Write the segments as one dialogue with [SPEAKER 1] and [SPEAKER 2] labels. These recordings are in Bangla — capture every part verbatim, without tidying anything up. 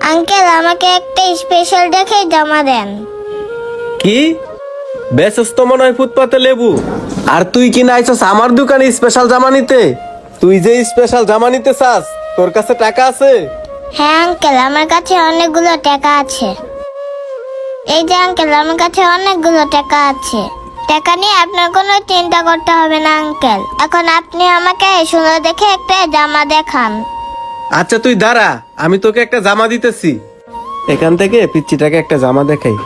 [SPEAKER 1] আঙ্কেল আমাকে একটা স্পেশাল দেখে জামা দেন।
[SPEAKER 2] কি ব্যস্ত মনে হয় ফুটপাতে লেবু, আর তুই কি না আইছস আমার দোকানে স্পেশাল জামা নিতে? তুই যে স্পেশাল জামা নিতে চাস, তোর কাছে টাকা আছে?
[SPEAKER 1] হ্যাঁ আঙ্কেল, আমার কাছে অনেকগুলো টাকা আছে। এই যে আঙ্কেল, আমার কাছে অনেকগুলো টাকা আছে। টাকা নিয়ে আপনার কোনো চিন্তা করতে হবে না আঙ্কেল। এখন আপনি আমাকে সুন্দর দেখে একটা জামা দেখান।
[SPEAKER 2] আচ্ছা তুই দাঁড়া, আমি তোকে একটা জামা দিতেছি। এখান থেকে পিচ্চিটাকে একটা জামা দেখাই।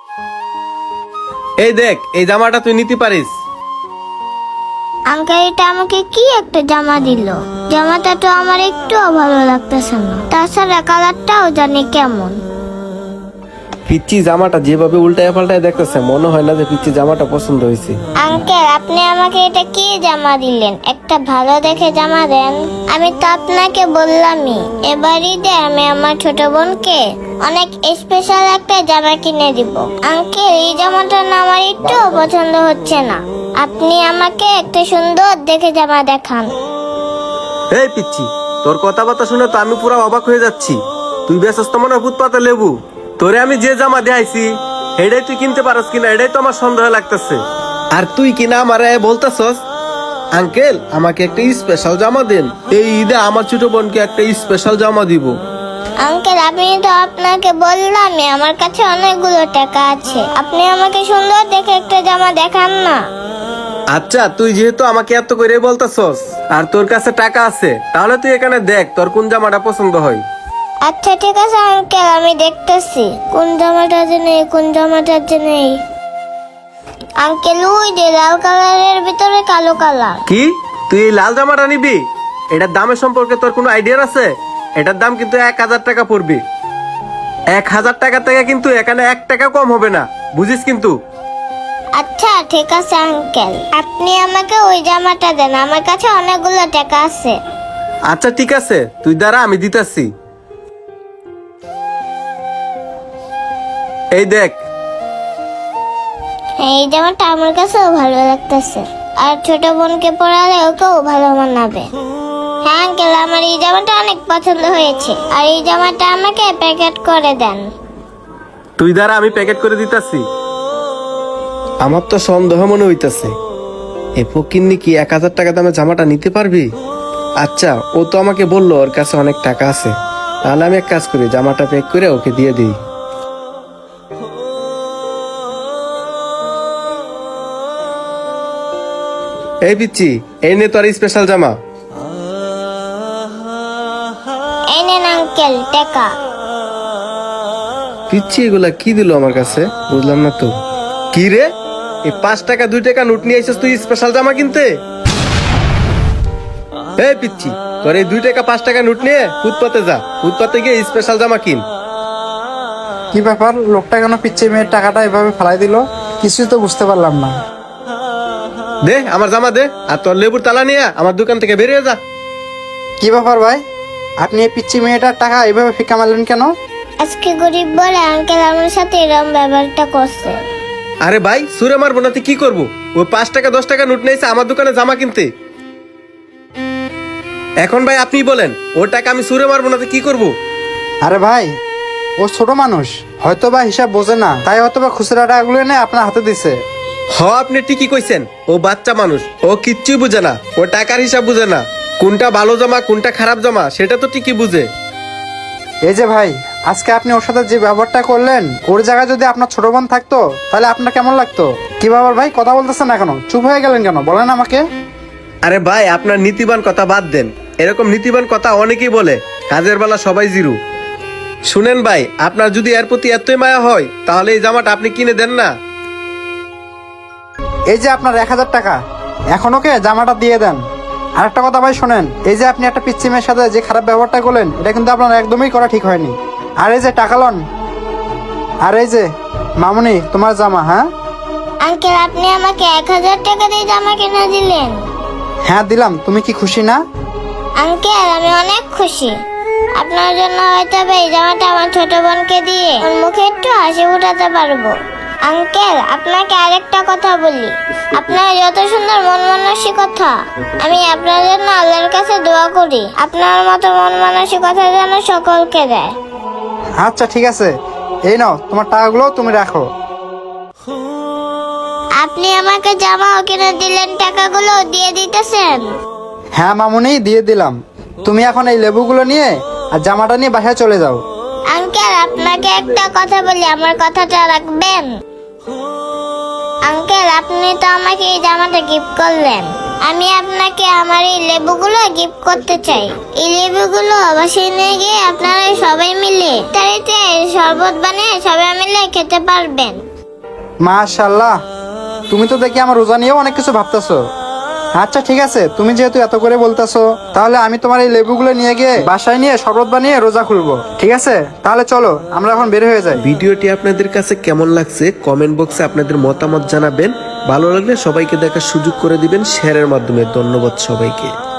[SPEAKER 2] এই দেখ, এই জামাটা তুই নিতে পারিস।
[SPEAKER 1] আঙ্কেল এটা আমাকে কি একটা জামা দিল? জামাটা তো আমার একটুও ভালো লাগতেছে না, তাছাড়া কালারটাও জানি কেমন।
[SPEAKER 2] পিচ্চি জামাটা যেভাবে উল্টায় পাল্টায় দেখতেছে, মনে হয় না যে পিচ্চি জামাটা পছন্দ হয়েছে।
[SPEAKER 1] আঙ্কেল আপনি আমাকে এটা কি জামা দিলেন? একটা ভালো দেখে জামা দেন। আমি তো আপনাকে বললামই এবার ঈদে আমি আমার ছোট বোনকে অনেক স্পেশাল একটা জামা কিনে দিব। আঙ্কেল এই জামাটা না আমার একটু পছন্দ হচ্ছে না, আপনি আমাকে একটা সুন্দর দেখে জামা দেখান।
[SPEAKER 2] এই পিচ্চি, তোর কথাবার্তা শুনে তো আমি পুরো অবাক হয়ে যাচ্ছি। তুই ব্যস্ত মনে হয় ফুটপাতে লেবু। তোরে আমি যে জামা দেখাইছি এটাই তুই কিনতে পারস কিনা, এটাই তো আমার সন্দেহ লাগতেছে। আর তুই কিনা আমারে বলতেছস আঙ্কেল আমাকে একটা স্পেশাল জামা দেন, এই ঈদে আমার ছোট বোনকে একটা স্পেশাল জামা দিব।
[SPEAKER 1] আঙ্কেল আমি তো আপনাকে বললামই আমার কাছে অনেকগুলো টাকা আছে, আপনি আমাকে সুন্দর দেখে একটা জামা দেখান না।
[SPEAKER 2] আচ্ছা তুই যেহেতু আমাকে এত করে বলতেছস আর তোর কাছে টাকা আছে, তাহলে তুই এখানে দেখ তোর কোন জামাটা পছন্দ হয়।
[SPEAKER 1] আচ্ছা ঠিক আছে আঙ্কেল, আমি দেখতেছি কোন জামাটা যে নেই, কোন জামাটা যে নেই। আঙ্কেল ওই যে লাল কালারের ভিতরে কালো কালার।
[SPEAKER 2] কি তুই এই লাল জামাটা নিবি? এটার দামের সম্পর্কে তোর কোনো আইডিয়া আছে? এটার দাম কিন্তু এক হাজার টাকা পড়বে। এক হাজার টাকা থেকে কিন্তু এখানে এক টাকা কম হবে না, বুঝিস কিন্তু।
[SPEAKER 1] আচ্ছা ঠিক আছে আঙ্কেল, আপনি আমাকে ওই জামাটা দেন, আমার কাছে অনেকগুলো টাকা আছে।
[SPEAKER 2] আচ্ছা ঠিক আছে, তুই দাঁড়া আমি দিতেছি। এই দেখ,
[SPEAKER 1] এই জামাটা আমার কাছেও ভালো লাগতেছে, আর ছোট বোনকে পরালে ওকেও ভালো মানাবে। হ্যাঁ আঙ্কেল, আমার এই জামাটা অনেক পছন্দ হয়েছে, আর এই জামাটা আমাকে প্যাকেট করে দেন।
[SPEAKER 2] তুই দাঁড়া আমি প্যাকেট করে দিতেছি। আমার তো সন্দেহ মনে হইতেছে, এ ফকিন্নি কি এক হাজার টাকা দামে জামাটা নিতে পারবি? আচ্ছা ও তো আমাকে বললো ওর কাছে অনেক টাকা আছে, তাহলে আমি এক কাজ করি, জামাটা প্যাক করে ওকে দিয়ে দিই। এই পিচ্ছি, এই নে তোর স্পেশাল জামা।
[SPEAKER 1] এই নেন আঙ্কেল টাকা।
[SPEAKER 2] পিচ্ছি এগুলা কি দিল আমার কাছে, বুঝলাম না তো। কি রে, এই পাঁচ টাকা দুই টাকা নোট নিয়ে আইছিস তুই স্পেশাল জামা কিনতে? এই পিচ্ছি, তোর এই দুই টাকা পাঁচ টাকা নোট নিয়ে ফুটপাতে যা, ফুটপাতে গিয়ে স্পেশাল জামা কিন।
[SPEAKER 3] কি ব্যাপার, লোকটা কেন পিচ্ছি মেয়ের টাকাটা এভাবে ফেলাই দিল? কিছুই তো বুঝতে পারলাম না।
[SPEAKER 2] দে আমার জামা দে, আর তোর লেবুর তালা নিয়ে আমার দোকান থেকে বেরিয়ে যা।
[SPEAKER 3] কি ব্যাপার ভাই, আপনি এই পিচ্ছি মেয়েটার টাকা এভাবে ফিকা মারলেন কেন?
[SPEAKER 1] আজকে গরিব বলে আঙ্কেল আমার সাথে এরকম ব্যবহারটা করছে।
[SPEAKER 2] আরে ভাই সুরে মারবো না, তুই কি করবো? ওই পাঁচ টাকা দশ টাকা নোট নিয়েছে আমার দোকানে জামা কিনতে। এখন ভাই আপনি বলেন, ওর টাকা আমি সুরে মারবো না, তুই কি করবো?
[SPEAKER 3] আরে ভাই, ও ছোট মানুষ, হয়তো বা হিসাব বোঝে না, তাই হয়তো বা খুচরা টাকাগুলো এনে আপনার হাতে দিছে।
[SPEAKER 2] হ আপনি ঠিকই কইছেন, ও বাচ্চা মানুষ, ও কিচ্ছুই বুঝে না, ও টাকার হিসাব বুঝে না, কোনটা ভালো জামা কোনটা খারাপ জামা সেটা তো ঠিকই বুঝে।
[SPEAKER 3] এই যে ভাই, আজকে আপনি ওর সাথে যে ব্যবহারটা করলেন, ওর জায়গায় যদি আপনার ছোট বোন থাকতো তাহলে আপনার কেমন লাগতো? কি ব্যাপার ভাই, কথা বলতেছেন না কেন? চুপ হয়ে গেলেন কেন, বলেন আমাকে।
[SPEAKER 2] আরে ভাই আপনার নীতিবান কথা বাদ দেন, এরকম নীতিবান কথা অনেকেই বলে, কাজের বেলা সবাই জিরু। শুনেন ভাই, আপনার যদি এর প্রতি এতই মায়া হয় তাহলে এই জামাটা আপনি কিনে দেন না।
[SPEAKER 3] এই যে আপনার এক হাজার টাকা, এখন ওকে জামাটা দিয়ে দেন। আর একটা কথা ভাই শোনেন, এই যে আপনি একটা পিচ্চি মেয়ের সাথে যে খারাপ ব্যবহারটা করলেন, এটা কিন্তু আপনার একদমই করা ঠিক হয়নি। আর এই যে টাকা লন, আর এই যে মামুনি তোমার জামা। হ্যাঁ
[SPEAKER 1] আঙ্কেল আপনি আমাকে এক হাজার টাকা দিয়ে জামা কিনে দিলেন।
[SPEAKER 3] হ্যাঁ দিলাম, তুমি কি খুশি না?
[SPEAKER 1] আঙ্কেল আমি অনেক খুশি, আপনার জন্য হয়তো এই জামাটা আমার ছোট বোনকে দিয়ে ওর মুখে একটু হাসি ফুটাতে পারবো। আঙ্কেল আপনাকে আরেকটা কথা বলি, আপনার যত সুন্দর মন মানসিকতা, আমি আপনার জন্য আল্লাহর কাছে দোয়া করি আপনার মতো মন মানসিকতা যেন সকলকে দেয়।
[SPEAKER 3] আচ্ছা ঠিক আছে, এই নাও তোমার টাকাগুলো তুমি রাখো।
[SPEAKER 1] আপনি আমাকে জামাও কিনে দিলেন, টাকাগুলো দিয়ে দিতেছেন?
[SPEAKER 3] হ্যাঁ মামুনি, দিয়ে দিলাম। তুমি এখন এই লেবুগুলো নিয়ে আর জামাটা নিয়ে বাসায় চলে যাও।
[SPEAKER 1] আঙ্কেল, আপনাকে একটা কথা বলি, আমার কথাটা রাখবেন? আঙ্কেল, আপনি তো আমাকে এই জামাটা গিফট করলেন, আমি আপনাকে আমার এই লেবুগুলো গিফট করতে চাই। এই লেবুগুলো বাসায় নিয়ে গিয়ে আপনারা সবাই মিলে তাড়িতে শরবত বানিয়ে সবাই মিলে খেতে পারবেন।
[SPEAKER 3] মাশাআল্লাহ, তুমি তো দেখি আমার রোজা নিয়েও অনেক কিছু ভাবতেছো। আচ্ছা ঠিক আছে, তুমি যেহেতু এত করে বলতেছো, তাহলে আমি তোমার এই লেবুগুলো নিয়ে গিয়ে বাসায় নিয়ে শরবত বানিয়ে রোজা খুলবো। ঠিক আছে, তাহলে চলো আমরা এখন বের হয়ে যাই।
[SPEAKER 2] ভিডিওটি আপনাদের কাছে কেমন লাগছে কমেন্ট বক্সে আপনাদের মতামত জানাবেন। ভালো লাগলে সবাইকে দেখার সুযোগ করে দিবেন শেয়ারের মাধ্যমে। ধন্যবাদ সবাইকে।